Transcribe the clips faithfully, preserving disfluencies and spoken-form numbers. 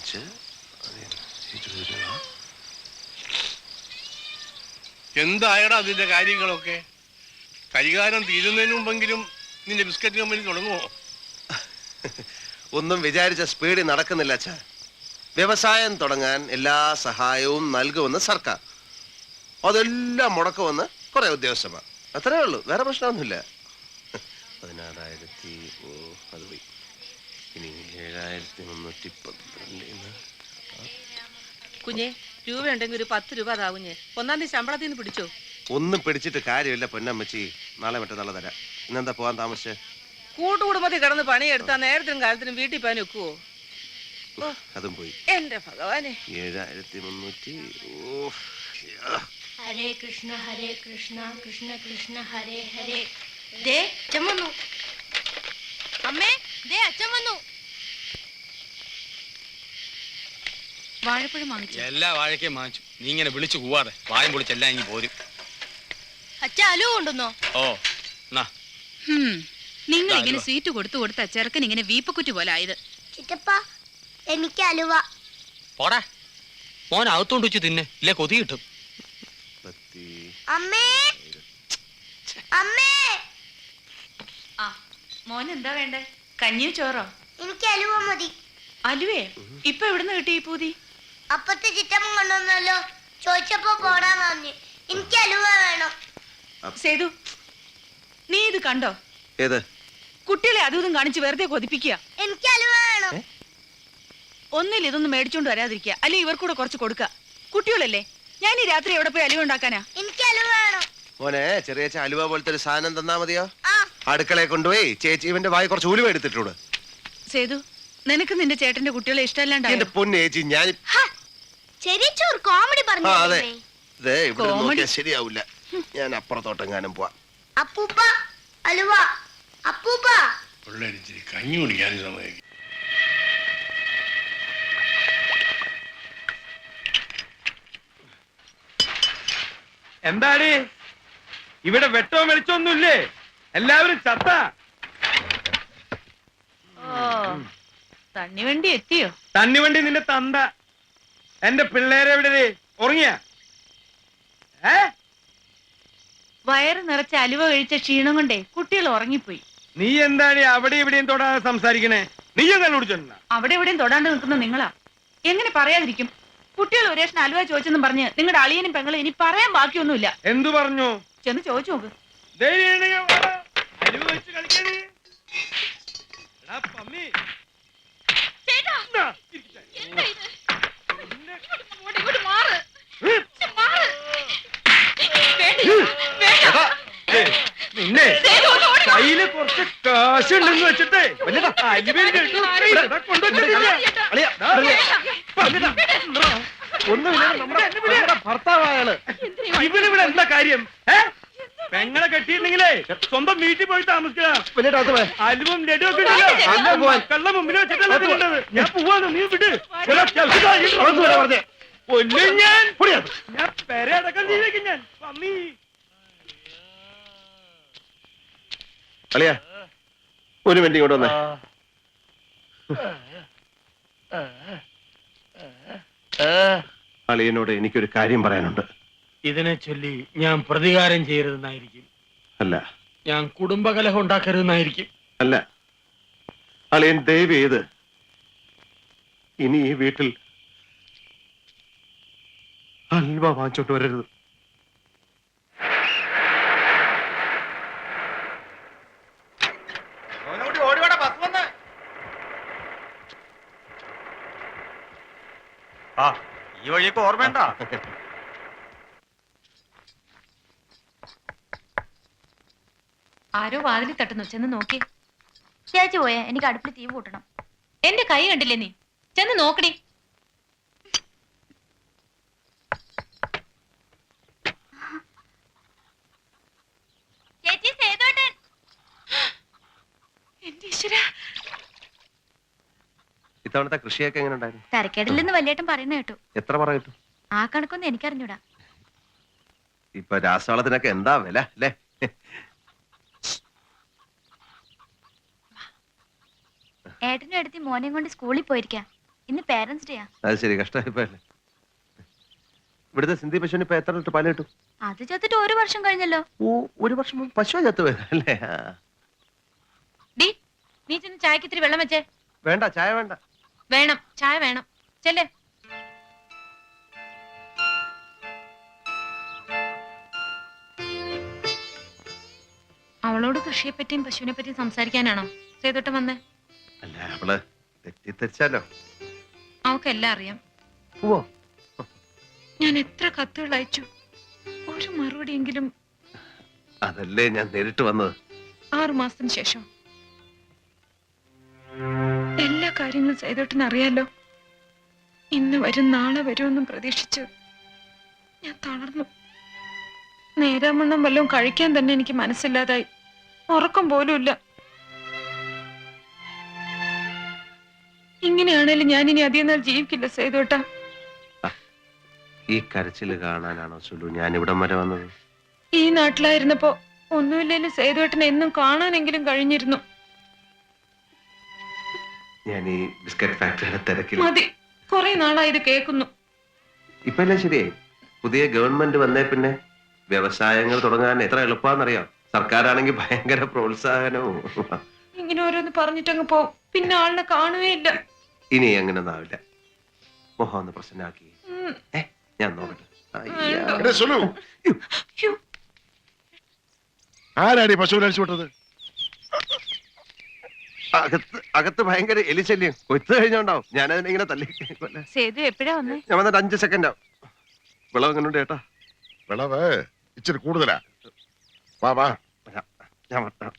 അഞ്ച് ഇരുപത് രൂപ. എന്തായടാ അതിന്റെ കാര്യങ്ങളൊക്കെ? കരികാരം തീരുന്നതിന് മുമ്പെങ്കിലും നിന്റെ ബിസ്ക്കറ്റ് കമ്പനി തുടങ്ങുമോ? ഒന്നും വിചാരിച്ച സ്പീഡിൽ നടക്കുന്നില്ല അച്ഛാ. വ്യവസായം തുടങ്ങാൻ എല്ലാ സഹായവും നൽകുമെന്ന് സർക്കാർ, അതെല്ലാം മുടക്കുമെന്ന് കുറെ ഉദ്യോഗസ്ഥന്മാർ. അത്രേ ഉള്ളൂ, വേറെ പ്രശ്നമൊന്നുമില്ല. പതിനാറായിരത്തി ഓ അത് പോയി. ഇനി ഏഴായിരത്തി മുന്നൂറ്റി പന്ത്രണ്ട്. കുഞ്ഞെ, രൂപ ഉണ്ടെങ്കിൽ ഒരു പത്ത് രൂപ അതാവുഞ്ഞേ. ഒന്നാം തീയതി ശമ്പളത്തിൽ നിന്ന് പിടിച്ചോ? ഒന്നും പിടിച്ചിട്ട് കാര്യമില്ല പൊന്നമ്മച്ചി, നാളെ മറ്റന്നാളെ തരാം. ഇന്നെന്താ പോകാൻ താമസിച്ചേ? കൂട്ടുകുടുംബത്തിൽ കിടന്ന് പണിയെടുത്താ നേരത്തിനും കാലത്തിനും വീട്ടിൽ പോകാൻ ഒക്കുവോ? അതും പോയി. എന്റെ ഭഗവാനെ, ഏഴായിരത്തി മുന്നൂറ്റി. ഹരേ കൃഷ്ണ ഹരേ കൃഷ്ണ കൃഷ്ണ കൃഷ്ണ ഹരേ ഹരേ. ദേ അച്ഛൻ വന്നു. അമ്മേ, ദേ അച്ഛൻ വന്നു. വാഴപ്പഴം വാങ്ങിച്ചു. എല്ലാ വാഴയ്ക്കും വാങ്ങിച്ചു. നീ ഇങ്ങനെ വിളിച്ചു പോവാതെ വായം പൊളിച്ചെല്ലാം ഇങ്ങി പോരും. അച്ഛൻ അലു കൊണ്ടുവന്നോ? ഓ നിങ്ങൾ ഇങ്ങനെ സ്വീറ്റ് കൊടുത്തു കൊടുത്ത ചെറുക്കൻ ഇങ്ങനെ വീപ്പക്കുറ്റി പോലെ ആയത്. ചിറ്റപ്പ, എനിക്ക് അലുവ. പോടാ മോൻ അകത്തോണ്ട് വെച്ച് തിന്നെ, ഇല്ലേ കൊതി കിട്ടും. അമ്മേ, അമ്മേ. ആ മോൻ എന്താ വേണ്ടേ? കഞ്ഞിയോ ചോറോ? എനിക്ക് അലുവ മതി. അലുവേ? ഇപ്പൊ എവിടുന്ന് കിട്ടി ഈ പൂതി? അപ്പത്തെ ചിറ്റമ്മ കൊണ്ടുവന്നല്ലോ, ചോദിച്ചപ്പോ പോടാൻ പറഞ്ഞു. എനിക്ക് അലുവ വേണം. സേതു, നീ ഇത് കണ്ടോ? ഏത്? കുട്ടികളെ അതും ഇതും കാണിച്ച് വെറുതെ കൊതിപ്പിക്കുക. എനിക്ക് അലുവ വേണം. ഒന്നിൽ ഇതൊന്നും മേടിച്ചോണ്ട് വരാതിരിക്കുക, അല്ലെ ഇവർക്കൂടെ കുറച്ച് കൊടുക്ക. കുട്ടികളല്ലേ, ഞാൻ ഈ രാത്രി എവിടെ പോയി അലുവ ഉണ്ടാക്കാനാ? എനിക്ക് അലുവ വേണം. മോനെ, ചെറിയ അലുവ പോലത്തെ ഒരു സാധനം തന്നാ മതിയോ? അടുക്കളയെ കൊണ്ടുപോയി ചേച്ചി ഇവന്റെ വായി കുറച്ച് ഉലുവ എടുത്തിട്ടുണ്ട്. സേതു, നിനക്ക് നിന്റെ ചേട്ടന്റെ കുട്ടികളെ ഇഷ്ടമല്ലാണ്ടാ? എന്റെ പൊന്നു ചേച്ചി, ഞാൻ ചെറിയ കോമഡി പറഞ്ഞു. അതെ, ഇതേ ഇവിടെ നോക്കിയാ ശരിയാവില്ല. ഞാൻ അപ്പുറത്തോട്ടെങ്ങാനും പോവാ. അപ്പൂപ്പ അലുവ. അപ്പൂപ്പ പിള്ളേരിച്ചിരി കഞ്ഞി കുടിക്കാൻ സമയം. എന്താടി ഇവിടെ വെട്ടോ വെളിച്ചൊന്നുമില്ലേ? എല്ലാവരും ചത്ത. തണ്ണിവണ്ടി എത്തിയോ? തണ്ണിവണ്ടി നിന്റെ തന്ത. എന്റെ പിള്ളേരെ എവിടെ? ഉറങ്ങിയ? ഏ വയറ് നിറച്ച അലുവ കഴിച്ച ക്ഷീണം കൊണ്ടേ കുട്ടികൾ ഉറങ്ങിപ്പോയി. നീ എന്താണ് അവിടെ ഇവിടെയും തൊടാതെ സംസാരിക്കണേ? നീ കണ്ടുപിടിച്ചോണ്ട. അവിടെ എവിടെയും തൊടാണ്ട് നിൽക്കുന്ന നിങ്ങളാ. എങ്ങനെ പറയാതിരിക്കും? കുട്ടികൾ ഒരേഷൻ അലുവ ചോദിച്ചെന്നും പറഞ്ഞ് നിങ്ങളുടെ അളിയനും പെങ്ങളും ഇനി പറയാൻ ബാക്കിയൊന്നുമില്ല. എന്തു പറഞ്ഞു? ചെന്ന് ചോദിച്ചു നോക്ക്. നിന്നെ കയ്യില് കുറച്ച് കാശുണ്ടെന്ന് വെച്ചിട്ടേ ഒന്നുമില്ല. ഭർത്താവായാള് ഇവനിവിടെ എന്താ കാര്യം? പെങ്ങളെ കെട്ടിയിട്ടുണ്ടെങ്കിലേ സ്വന്തം വീട്ടിൽ പോയി താമസിക്കുക. അലുവും ലഡുവും ഒക്കെ കള്ള മുമ്പിൽ വെച്ചിട്ടത്. ഞാൻ പോവാന്ന്, നീ വിട്. കൊല്ലും ഞാൻ. ഞാൻ പെരടക്കം ചെയ്തേക്കും ഞാൻ. പമ്മി അളിയാ, ഒരു മിനിറ്റ് ഇങ്ങോട്ട് വന്നേ. അളിയനോട് എനിക്കൊരു കാര്യം പറയാനുണ്ട്. ഇതിനെ ചൊല്ലി ഞാൻ പ്രതികാരം ചെയ്യരുതെന്നായിരിക്കും. അല്ല, ഞാൻ കുടുംബകലഹം ഉണ്ടാക്കരുതെന്നായിരിക്കും. അല്ല, അളിയൻ ദയവ് ചെയ്ത് ഇനി ഈ വീട്ടിൽ അൽവ വാങ്ങിച്ചോട്ട് വരരുത്. ഈ വഴിയൊക്കെ ഓർമ്മയുണ്ട? ആരോ വാതിലിൽ തട്ടുന്നു, ചെന്ന് നോക്കി. ചേച്ചി പോയേ, എനിക്ക് അടുപ്പിൽ തീ കൂട്ടണം. എന്റെ കൈ കണ്ടില്ലേ നീ? ചെന്ന് നോക്കടി. ചേച്ചി, സേതുവേട്ടൻ. എന്റെ ഈശ്വരാ, ഇത്തവണത്തെ കൃഷിയൊക്കെ എങ്ങനെ ഉണ്ടായിരുന്നു? തരക്കേടില്ലെന്ന് വലിയേട്ടൻ പറയുന്ന കേട്ടു. എത്ര പറയിട്ടു? ആ കണക്കൊന്നും എനിക്കറിഞ്ഞൂടാ. ഇപ്പൊ രാസവളത്തിനൊക്കെ എന്താ വില അല്ലേ? ഏട്ടനും എടുത്തി മോനെയും കൊണ്ട് സ്കൂളിൽ പോയിരിക്കാം. ഇന്ന് പേരൻസ് ഡേയാ. അത് ശരി, കഷ്ടമായിപ്പോയല്ലേ. ഇവിടുത്തെ സിന്ധി പശുവിന് ഇപ്പൊ എത്ര ലിറ്റർ പാല് കിട്ടും? അത് ചത്തിട്ട് ഒരു വർഷം കഴിഞ്ഞല്ലോ. ഓ, ഒരു വർഷം മുമ്പ് പശു ചത്തു പോയതല്ലേ? ആ. ഡി നീ ചെന്ന് ചായക്ക് ഇത്തിരി വെള്ളം വെച്ചേ. വേണ്ട, ചായ വേണ്ട. വേണം, ചായ വേണം. ചെല്ലേ. അവളോട് കൃഷിയെ പറ്റിയും പശുവിനെ പറ്റിയും സംസാരിക്കാനാണോ സേതോട്ടം വന്നേ? അല്ല, അവള് തെറ്റിദ്ധരിച്ചാലോ? അവക്കെല്ലാം അറിയാം. ഓ, ഞാൻ എത്ര കത്തുകൾ അയച്ചു, ഒരു മറുപടിയെങ്കിലും. അതല്ലേ ഞാൻ നേരിട്ട് വന്നത്. ആറു മാസത്തിന് ശേഷം എല്ലാ കാര്യങ്ങളും സേതോട്ടിന് അറിയാലോ. ഇന്ന് വരും നാളെ വരുമെന്നും പ്രതീക്ഷിച്ച് ഞാൻ തളർന്നു. നേരാമണ്ണം വല്ലതും കഴിക്കാൻ തന്നെ എനിക്ക് മനസ്സില്ലാതായി. ഉറക്കം പോലും ഇല്ല. ഇങ്ങനെയാണേലും ഞാൻ ഇനി അധികം നാൾ ജീവിക്കില്ല സേതോട്ട. ഈ കരച്ചില് കാണാനാണോ സുലു ഞാൻ ഇവിടം വരെ വന്നത്? ഈ നാട്ടിലായിരുന്നപ്പോ ഒന്നുമില്ലേലും സേതുവേട്ടനെ എന്നും കാണാനെങ്കിലും കഴിഞ്ഞിരുന്നു. ഞാൻ ഈ ബിസ്ക്കറ്റ് ഫാക്ടറിയുടെ തിരക്കിൽ. മതി, കുറെ നാളായി ഇത് കേൾക്കുന്നു. ഇപ്പൊ എല്ലാം ശരിയായി. പുതിയ ഗവൺമെന്റ് വന്നേ പിന്നെ വ്യവസായങ്ങൾ തുടങ്ങാൻ എത്ര എളുപ്പമാണെന്നറിയാം. സർക്കാരാണെങ്കിൽ ഭയങ്കര പ്രോത്സാഹനവും. ഇങ്ങനെ ഓരോന്ന് പറഞ്ഞിട്ടങ്ങ് പോ, പിന്നെ ആളിനെ കാണുകയില്ല. ഇനി അങ്ങനെ ഒന്നാവില്ല. മോഹം ഒന്ന് പ്രശ്നമാക്കി. ഏ ഞാൻ നോക്കട്ടെ. എടേ സുലു, ആരാടി പശുവിനെ അഴിച്ചു വിട്ടത്? അകത്ത് അകത്ത് ഭയങ്കര എലിശല്യം. കൊയ്ത്ത് കഴിഞ്ഞോണ്ടാവും. ഞാനതിനെ ഇങ്ങനെ തല്ലി. സേതു എപ്പോഴാ വന്നേ? ഞാൻ വന്നിട്ട് അഞ്ച് സെക്കൻഡ് ആവും. വിളവ് എങ്ങനെയുണ്ട് ചേട്ടാ? വിളവ് ഇച്ചിരി കൂടുതലാ. വാ വാ, ഞാൻ വട്ടാം.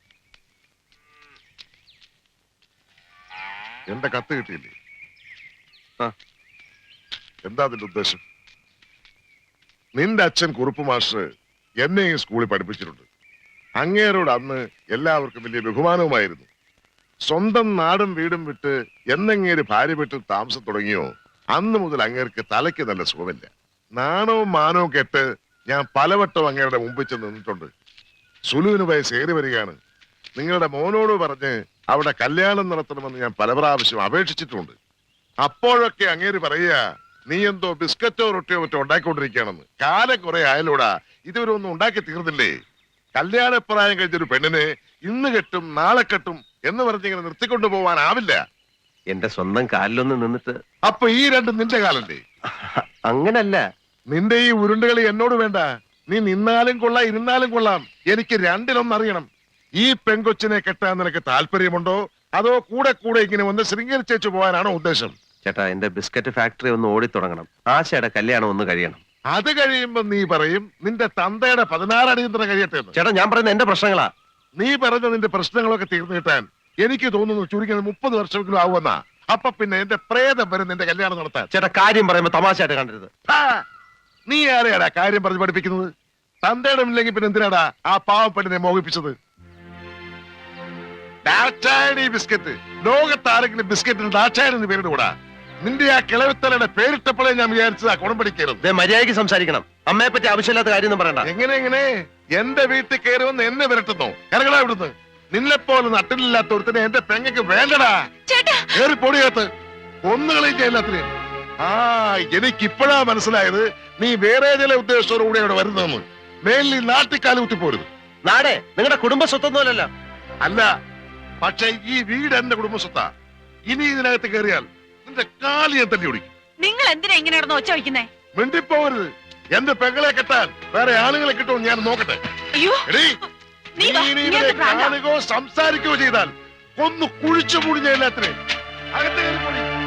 എന്റെ കത്ത് കിട്ടിയില്ലേ? ആ. എന്താ അതിന്റെ ഉദ്ദേശം? നിന്റെ അച്ഛൻ കുറുപ്പ് മാസ്റ്റർ എന്നെ ഈ സ്കൂളിൽ പഠിപ്പിച്ചിട്ടുണ്ട്. അങ്ങേരോട് അന്ന് എല്ലാവർക്കും വലിയ ബഹുമാനവുമായിരുന്നു. സ്വന്തം നാടും വീടും വിട്ട് എന്നങ്ങേര് ഭാര്യ വീട്ടിൽ താമസം തുടങ്ങിയോ അന്ന് മുതൽ അങ്ങേർക്ക് തലയ്ക്ക് നല്ല സുഖമില്ല. നാണവും മാനവും കെട്ട് ഞാൻ പലവട്ടം അങ്ങേരുടെ മുമ്പിൽ ചെന്ന് നിന്നിട്ടുണ്ട്. സുലുവിന് വയസ്സ് ഏറി വരികയാണ്. നിങ്ങളുടെ മോനോട് പറഞ്ഞ് അവിടെ കല്യാണം നടത്തണമെന്ന് ഞാൻ പല പ്രാവശ്യം അപേക്ഷിച്ചിട്ടുണ്ട്. അപ്പോഴൊക്കെ അങ്ങേര് പറയുക, നീ എന്തോ ബിസ്ക്കറ്റോ റൊട്ടിയോ മറ്റോ ഉണ്ടാക്കിക്കൊണ്ടിരിക്കുകയാണെന്ന്. കാലം കുറെ ആയാലൂടാ, ഇതുവരെ ഒന്നും ഉണ്ടാക്കി തീർന്നില്ലേ? കല്യാണപ്രായം കഴിഞ്ഞൊരു പെണ്ണിനെ ഇന്ന് കെട്ടും നാളെ കെട്ടും എന്ന് പറഞ്ഞിങ്ങനെ നിർത്തിക്കൊണ്ടു പോവാനാവില്ല. എന്റെ സ്വന്തം കാലിലൊന്ന് നിന്നിട്ട്. അപ്പൊ ഈ രണ്ടും നിന്റെ കാലല്ലേ? അങ്ങനല്ല. നിന്റെ ഈ ഉരുണ്ടുകളി എന്നോട് വേണ്ട. നീ നിന്നാലും കൊള്ളാം ഇരുന്നാലും കൊള്ളാം, എനിക്ക് രണ്ടിലൊന്നറിയണം. ഈ പെങ്കൊച്ചിനെ കെട്ടാൻ നിനക്ക് താല്പര്യമുണ്ടോ, അതോ കൂടെ കൂടെ ഇങ്ങനെ ഒന്ന് ശൃംഗരിച്ചേച്ചു പോകാനാണോ ഉദ്ദേശം? ചേട്ടാ, എന്റെ ബിസ്ക്കറ്റ് ഫാക്ടറി ഒന്ന് ഓടി തുടങ്ങണം. ആശയുടെ കല്യാണം ഒന്ന് കഴിയണം. അത് കഴിയുമ്പോ നീ പറയും നിന്റെ തന്തയുടെ പതിനാറ് അടിയന്തരം കഴിയട്ടെ എന്ന്. ചേട്ടാ, ഞാൻ പറയുന്നത് എന്റെ പ്രശ്നങ്ങളാ. നീ പറഞ്ഞ നിന്റെ പ്രശ്നങ്ങളൊക്കെ തീർന്നു കിട്ടാൻ എനിക്ക് തോന്നുന്നു ചുരുങ്ങിയത് മുപ്പത് വർഷമെങ്കിലും ആവുമെന്നാ. അപ്പൊ പിന്നെ എന്റെ പ്രേതം വരും നിന്റെ കല്യാണം നടത്താൻ. ചേട്ടാ, കാര്യം പറയുമ്പോ തമാശയായിട്ട് കണ്ടരുത്. ഹാ, നീ ആരെയാടാ കാര്യം പറഞ്ഞ് പഠിപ്പിക്കുന്നത്? തന്തയുടെ ഇല്ലെങ്കിൽ പിന്നെ എന്തിനാടാ ആ പാവപ്പെട്ടിനെ മോഹിപ്പിച്ചത്? ഡാറ്റായണി ബിസ്ക്കറ്റ്. ലോകത്താരെങ്കിലും ബിസ്ക്കറ്റിന് ഡാറ്റായെന്ന് പേരിടുകൂടാ. നിന്റെ ആ കിളവിത്തലയുടെ പേരിട്ടപ്പോഴേ ഞാൻ വിചാരിച്ചത് ആ കുണം പഠിക്കരുത്. മര്യാദയ്ക്ക് സംസാരിക്കണം. അമ്മയെ പറ്റി ആവശ്യമില്ലാത്ത കാര്യം ഒന്നും പറയണ്ട. എങ്ങനെ എങ്ങനെ എന്റെ വീട്ടിൽ കയറുമെന്ന് എന്നെ വിരട്ടുന്നു? കരകളാ ഇവിടുന്ന്. നിന്നെപ്പോലെ നട്ടിലില്ലാത്ത ഒരുത്തിനെ എന്റെ പെങ്ങക്ക് വേണ്ടടാ. കയറി പൊടിയകത്ത് ഒന്നുകളെയും എല്ലാത്തിനെ. ആ, എനിക്കിപ്പോഴാ മനസ്സിലായത് നീ വേറെ ചില ഉദ്ദേശത്തോടു കൂടി അവിടെ വരുന്നതെന്ന്. മേലിൽ നാട്ടിക്കാലം കുത്തിപ്പോരുത്. നാടേ നിങ്ങളുടെ കുടുംബ സ്വത്തൊന്നുമല്ലല്ലോ. അല്ല, പക്ഷെ ഈ വീട് എന്റെ കുടുംബസ്വത്താ. ഇനി ഇതിനകത്ത് കയറിയാൽ നിന്റെ കാലി ഞാൻ തല്ലി ഓടിക്കും. നിങ്ങൾ എന്തിനാ ഇങ്ങനെ നടന്ന് ഒച്ച വയ്ക്കുന്നേ? മിണ്ടിപ്പോവരുത്. എന്റെ പെങ്ങളെ കെട്ടാൻ വേറെ ആളുകളെ കിട്ടുമോ ഞാൻ നോക്കട്ടെ. അയ്യോ, എടീ, നീ നീ വാ, ഇനി നീ ഇതിനെ എന്ത് ഭ്രാന്താ? കാണുകയോ സംസാരിക്കുകയോ ചെയ്താൽ ഒന്ന് കുഴിച്ചു മുടിഞ്ഞ എല്ലാത്തിനെ അകത്ത് കയറി പോടി.